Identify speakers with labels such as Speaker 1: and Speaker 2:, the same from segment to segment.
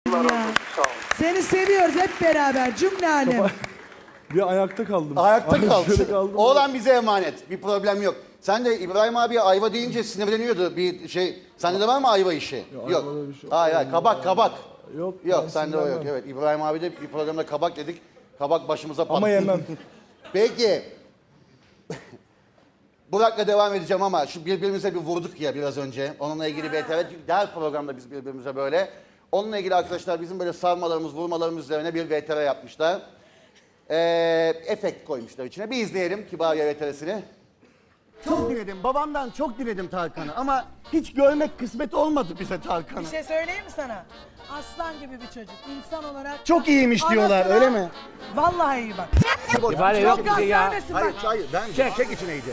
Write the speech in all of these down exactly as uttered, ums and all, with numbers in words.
Speaker 1: Ya.
Speaker 2: Sağ ol.
Speaker 1: Seni seviyoruz hep beraber cümle alem.
Speaker 3: Bir ayakta kaldım.
Speaker 4: Ayakta
Speaker 3: Şöyle
Speaker 4: kaldı.
Speaker 3: kaldım.
Speaker 4: Oğlan bize emanet. Bir problem yok. Sen de İbrahim abiye ayva deyince sinirleniyordu bir şey. Sende de var mı ayva işi? Yok.
Speaker 3: ayvada bir şey yok.
Speaker 4: Hayır hayır kabak kabak.
Speaker 3: Yok,
Speaker 4: Yok
Speaker 3: ben
Speaker 4: sende o yok.
Speaker 3: sinirlenmem.
Speaker 4: Evet İbrahim abi de bir programda kabak dedik. Kabak başımıza patladı.
Speaker 3: Ama yemem.
Speaker 4: Peki. Burak'la devam edeceğim ama şu birbirimize bir vurduk ya biraz önce. Onunla ilgili bir evet her programda biz birbirimize böyle. Onunla ilgili arkadaşlar bizim böyle sarmalarımız, vurmalarımız üzerine bir V T R yapmışlar. Ee, efekt koymuşlar içine. Bir izleyelim Kibariye V T R'sini. Çok diledim, babamdan çok diledim Tarkan'ı ama hiç görmek kısmet olmadı bize Tarkan'ı.
Speaker 1: Bir şey söyleyeyim mi sana? Aslan gibi bir çocuk. İnsan olarak...
Speaker 4: Çok iyiymiş diyorlar,
Speaker 1: Anasına-
Speaker 4: öyle mi?
Speaker 1: Vallahi iyi bak.
Speaker 5: İbare yok
Speaker 1: Çok
Speaker 5: bize ya.
Speaker 1: göstermesin bak.
Speaker 4: Hayır, hayır, ben çek, çek içineydi.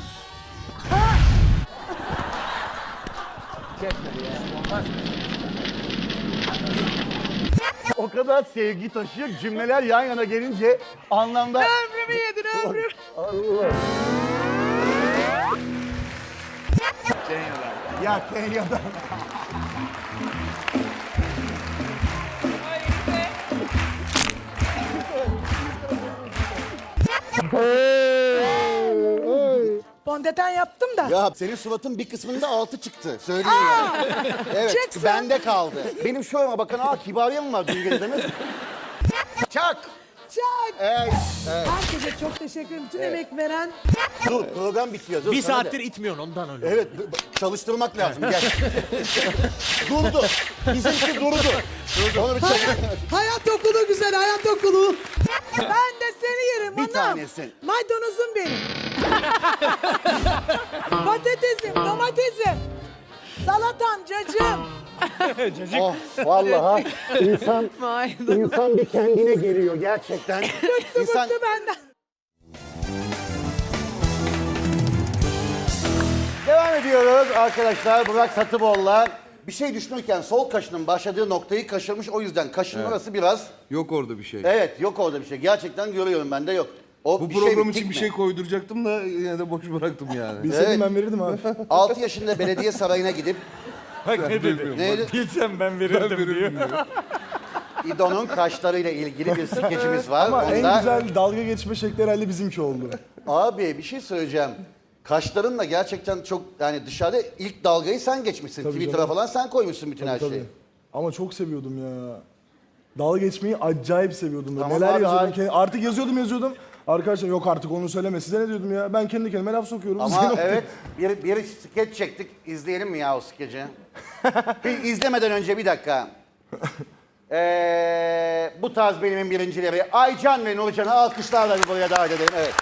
Speaker 4: O kadar sevgi taşıyor, cümleler yan yana gelince anlamda...
Speaker 1: Ömrümü yedin ömrüm.
Speaker 4: Ya Kenya'dan.
Speaker 1: Fondöten yaptım da.
Speaker 4: Ya senin suratın bir kısmında altı çıktı. Söyleyeyim ya. Evet,
Speaker 1: çıksın.
Speaker 4: bende kaldı. Benim şurama bakın, aa Kibariye mi var dün geceden? Çak!
Speaker 1: Çak.
Speaker 4: Evet, evet.
Speaker 1: Herkese çok teşekkür ederim. Bütün emek veren.
Speaker 4: Dur, program bitiyor. Dur,
Speaker 5: Bir
Speaker 4: sana
Speaker 5: saattir
Speaker 4: de.
Speaker 5: itmiyorsun ondan öyle.
Speaker 4: Evet, b- b- çalıştırmak lazım. Gel. Durdu. Bizimki durdu. Onu bir çek.
Speaker 1: Hayat okulu güzel, hayat okulu. Ben de seni yerim
Speaker 4: Bir
Speaker 1: anam.
Speaker 4: tanesin.
Speaker 1: Maydanozum benim. Patatesim, domatesim. Salatam, cacığım.
Speaker 4: Oh, vallahi insan, insan bir kendine geliyor gerçekten. İnsan...
Speaker 1: Bıktı benden.
Speaker 4: Devam ediyoruz arkadaşlar. Burak Satıbol'la bir şey düşünürken sol kaşının başladığı noktayı kaşırmış. O yüzden kaşının orası biraz...
Speaker 6: Yok orada bir şey.
Speaker 4: Evet, yok orada bir şey. Gerçekten görüyorum, bende yok. O
Speaker 6: Bu
Speaker 4: bir
Speaker 6: program
Speaker 4: şey,
Speaker 6: için bir şey koyduracaktım da yine de boş bıraktım yani.
Speaker 3: Bilseydim
Speaker 4: Evet.
Speaker 3: ben verirdim abi.
Speaker 4: altı yaşında belediye sarayına gidip
Speaker 7: Bak ne dedi?
Speaker 4: neydi?
Speaker 7: Bilsem ben verirdim diyor.
Speaker 4: İdo'nun kaşlarıyla ilgili bir skecimiz var.
Speaker 3: Ama en
Speaker 4: Onda-
Speaker 3: güzel dalga geçme şekli herhalde bizimki oldu.
Speaker 4: Abi bir şey söyleyeceğim. Kaşlarınla gerçekten çok yani dışarıda ilk dalgayı sen geçmişsin.
Speaker 3: Tabii
Speaker 4: Twitter'a
Speaker 3: canım.
Speaker 4: falan sen koymuşsun bütün her
Speaker 3: Tabii.
Speaker 4: şeyi.
Speaker 3: Ama çok seviyordum ya. Dalga geçmeyi acayip seviyordum.
Speaker 4: Tamam
Speaker 3: Neler
Speaker 4: abi,
Speaker 3: yazıyordum.
Speaker 4: harika.
Speaker 3: kendi- Artık yazıyordum yazıyordum. Arkadaşlar yok artık onu söyleme. Size ne diyordum ya? Ben kendi kendime laf sokuyorum.
Speaker 4: Ama
Speaker 3: Size ne
Speaker 4: evet bir, bir skeç çektik. İzleyelim mi ya o skeci? bir izlemeden önce bir dakika. Ee, bu tarz bölümün birincileri Aycan ve Nurcan'ı alkışlarla bir buraya davet edelim. Evet.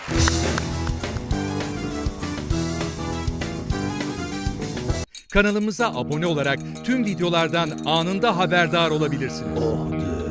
Speaker 8: Kanalımıza abone olarak tüm videolardan anında haberdar olabilirsiniz.